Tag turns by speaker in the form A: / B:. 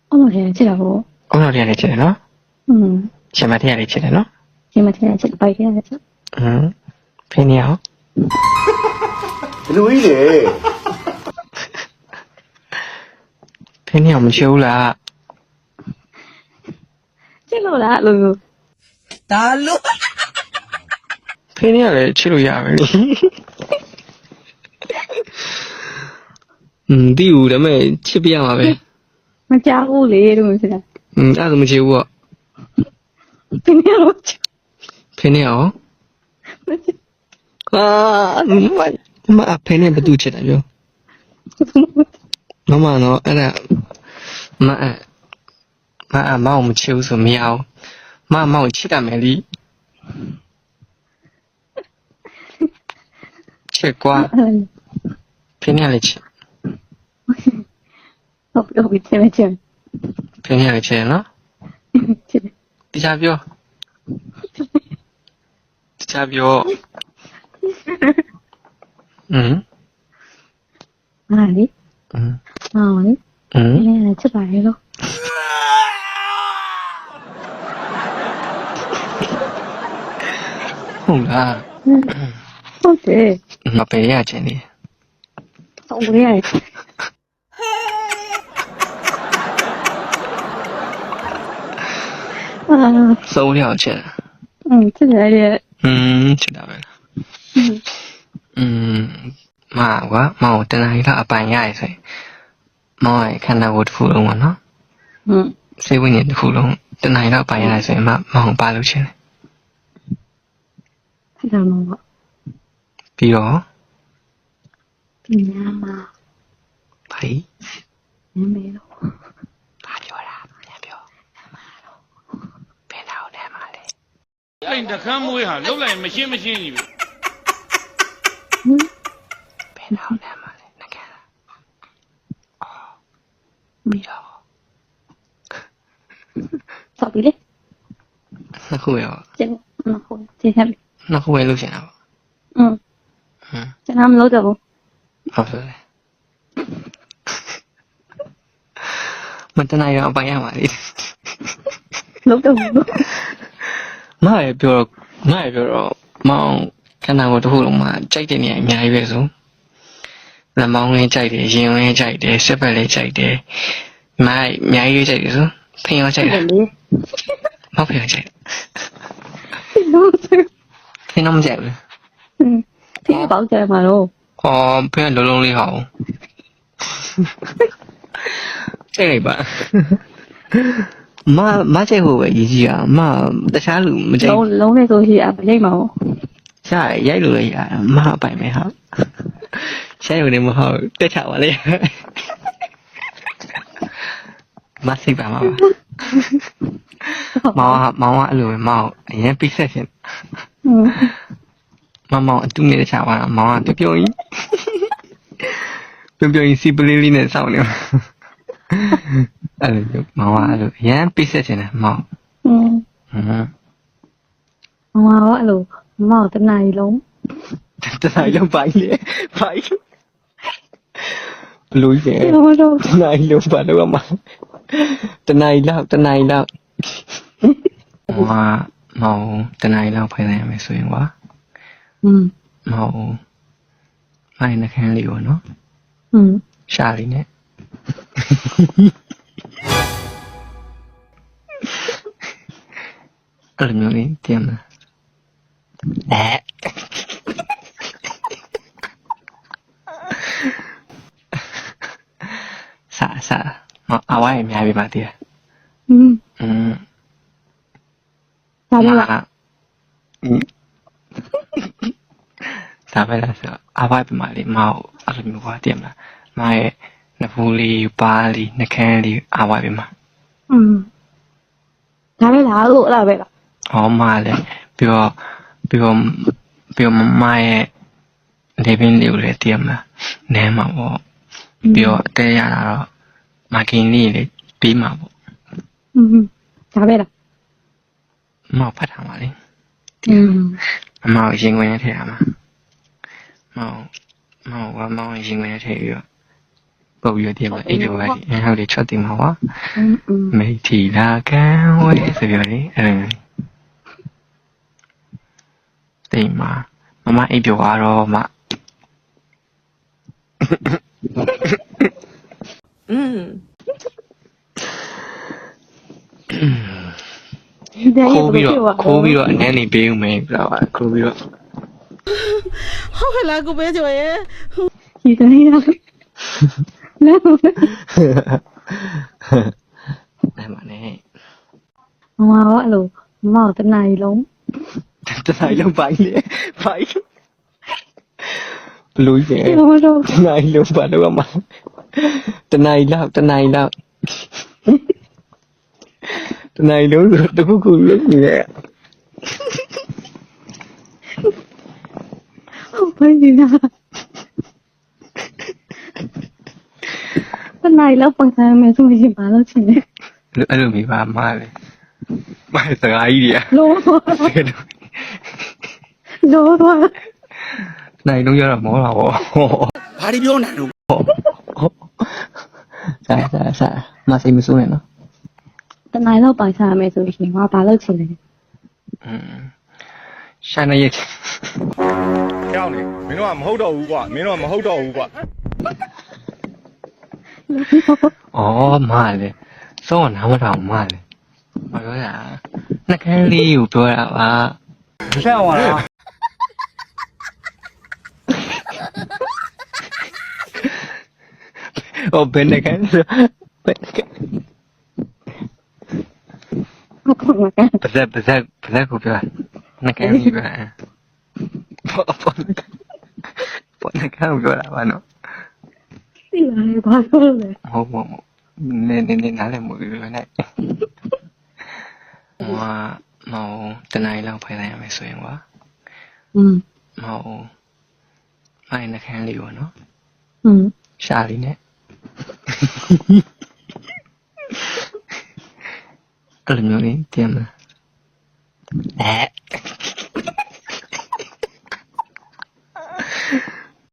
A: 어머니 지라고.
B: 오늘 해야 되지, 너? 제맛 해야 되지, 너?
A: 제맛 해야 되지, 빨리 해야 되지.
B: 팬이야.
C: 근데 왜 이래?
B: 팬이 없는 지울라.
A: 찔러라, 루.
D: 달로.
B: 팬이야를 치료야, 왜? 띠우, 다음에 치비야, 마, 왜?
A: 짜고, 레, 이러면서.
B: 나도 뭐 지우어.
A: 그냥
B: 팬이야. 팬이 뭐 두치, 나죠? 엄마, 너, 애나, 마음 치우서 미야오. 마음 치다, 메리. 칠과. 팬이야를 치.
A: 여기 제맛.
B: 팬이야를 치야, 너? 디자비오. 디자비오.
A: 아니? 아니? 그냥 치 말고.
B: 뭔가.
A: 어때?
B: 너 빼야지, 니.
A: 우리 알지.
B: 收了钱。
A: 这来的。
B: 知道了。妈，我等下一趟半夜睡。妈，看到我的窟窿了喏。谁问你的窟窿？等下一趟半夜睡，妈我扒了钱。
A: 看到吗？
B: 比如？
A: 比你妈。
B: 呸！
A: 你没了。
B: 爸ပြောတာ။ပြော။ဘယ်တော့လဲမလဲ။
E: အဲ့တခမ်းမွေးဟာလှုပ်လိုက်မရှင်းကြီးပဲ
B: ဘယ်တော့လဲမလဲ။ငါက။အော်။ပြီးတော့။
A: ဆောက်ပြီလေ
B: နှစ်ခုပဲပေါ့
A: ကျင်းဟုတ်ကျင်းရပြီ
B: နှစ်ခုပဲလုပ်ချင်တာပေါ့
A: ကျန်တာမလုပ်တော့ဘူး
B: ဟုတ်ဆိုလေမတနိုင်တော့အပိုင်ရမှာလေ
A: လုပ်တော့ဘူး
B: မရပြောတော့မောင်ခန္ဓာကိုယ်တစ်ခုလုံးမှာကြိုက်တဲ့နေရာအများကြီးပဲဆိုလက်မောင်းလေးကြိုက်တယ်ရင်ဝင်ကြိုက်တယ်စက်ပတ်လေးကြိုက်တယ်မိုက်အများကြီးကြိုက်တယ်ဆိုဖင်ရောကြိုက်တယ်မဖင်ရောကြိုက်
A: လို့ဆို
B: ဖင်တော့မကြိုက်ဘူး
A: ဖေးပေါက်ကြမှာတော့
B: ဖင်ကလုံးလုံးလေးဟောင်းကြိုက်လိုက်ပါမကြိုက်ဖို့ပဲရည်ကြီးอ่ะတခြားလူမကြိုက်
A: လုံးနဲ့ဆိုရှိအမရိတ်မှာပေါ့
B: ရှားရိုက်လို့လည်းရတယ်မအပိုင်ပဲဟာရှားရုံနဲ့မဟုတ်တက်ချပါလေမစိတ်ပါမှာပါမောင်ကအဲ့လိုပဲမောင်အရင်ပိဆက်ရှင်မောင်အတူနေတဲ့ချပါတော့မောင်ကပြုံကြီးစီပလေးလေးနဲ့စောင့်နေအဲ့လိုမောင်ကအဲ့လိုအရင်ပိဆက်ရှင်တယ်မောင်
A: မောင်ကအဲ့လိုမောင်တနားရီလုံး
B: တနားရီလုံးပိုင်းလေပိုင်းဘလို့ကြီးတနားရီလုံးပါတော့မှာတနားရီလောက်မောင်တနားရီလောက်ဖိုင်နိုင်မယ်ဆိုရင်ကွာမောင်မိုင်းနှခမ်းလေးပေါ့နော်ရှားလေးနဲ့အဲ့လိုမျိုးလေးတင်မလားစားအဝိုင်းအများပြီပါတည်း
A: ဒါပဲလား
B: ဒါပဲလားဆိုအဝိုင်းပြမလေးမောင်အဲ့လိုမျိုးပါတည်းမလားမောင်ရဲ့နဖူးလေးပါးလေးနှခမ်းလေးအဝိုင်းပြမ
A: ဒါပဲလားလို့အဲ့ဒါပဲလား
B: ဟောမလည်းပြီးတော့မရဲ့လေပင်လေးကိုလည်းတည်ရမှာနဲမှာပေါ့ပြီးတော့အတဲရတာတော့မာကင်လေးလေးပြီးမှာပေါ့
A: ဒါပဲလား
B: မောင်ဖတ်ထားပါလေမောင်ရင်ခွင်နဲ့ထည့်ရမှာမောင်ရင်ခွင်နဲ့ထည့်ပြီးတော့ပုတ်ပြီးတော့ဒီမှာအိပ်ပြောပါလေဟုတ်တယ်ချက်တင်မှာပါ
A: 嗯，
B: မိထီလာကံဝဲဆိုပြီးတော့လေအဲ့လိုတိမ်မှာမမအိပ်ပြောတော့မ
A: 现在也
B: ခိုး
A: 不
B: ပြီး
A: 给
B: တော့
A: 我，
B: ခိုးပြီးတော့အနေနဲ့ပေးဦးမယ်ပြတော့ခိုးပြီးတော့
C: ဟုတ်ကဲ့လားကိုပဲကျော်ရဲ့
A: 你的呀，那我
B: နိုင်ပါနဲ့
A: 妈我路，妈我在哪里龙？
B: တနိုင်လုံးပိုင်းလေပိုင်းဘလူးရဲ့
A: 这个我说，
B: တနိုင်လုံးပါတော့မှာတနိုင်လောက်တနိုင်လုံးဆိုတခုခုလုံးနေရဲ့
A: 我不知道。在哪里了？本身没什么钱，把了钱，
B: အဲ့လိုမိပါမလေမစကားကြီးတွေက
A: 罗罗，
B: နိုင်လုံးရတော့မောတာပေါ့
C: ဘာဒီပြောနေတော့
B: စားမစိတ်မဆိုးနဲ့နော်
A: 在哪里了？本身没什么钱，我把了钱。
B: ရှာနေရဲ့
D: ကြောက်နေမင်းတို့ကမဟုတ်တော့ဘူးကွာမင်းတို့ကမဟုတ်တော့ဘူးကွာ
B: ဩမလေစောနားမထောင်မလေမပြောရနှကန်းလေးကိုပြောတာပါ
D: ဆက်အောင်လား
B: ဟိုဘယ်နှကန်းဆိုဘယ်နှကန်း
A: 我讲了干，
B: ပါဇက်ကိုပြောနှကန်းကြီးပဲပေါ်နှကန်းကိုပြောတာပါနော်
A: 是哪里把了嘞？
B: ဟုတ်နေနားလည်းမဟုတ်ဘူးနဲ့ဟိုမောင်တနိုင်လောက်ဖိုင်လိုက်ရမယ်ဆိုရင်ကွာ
A: 嗯
B: မောင်မိုင်းနှကန်းလေးပေါ့နော်
A: 嗯，
B: ရှာလေးနဲ့အဲ့လိုမျိုးလေးတင်မလား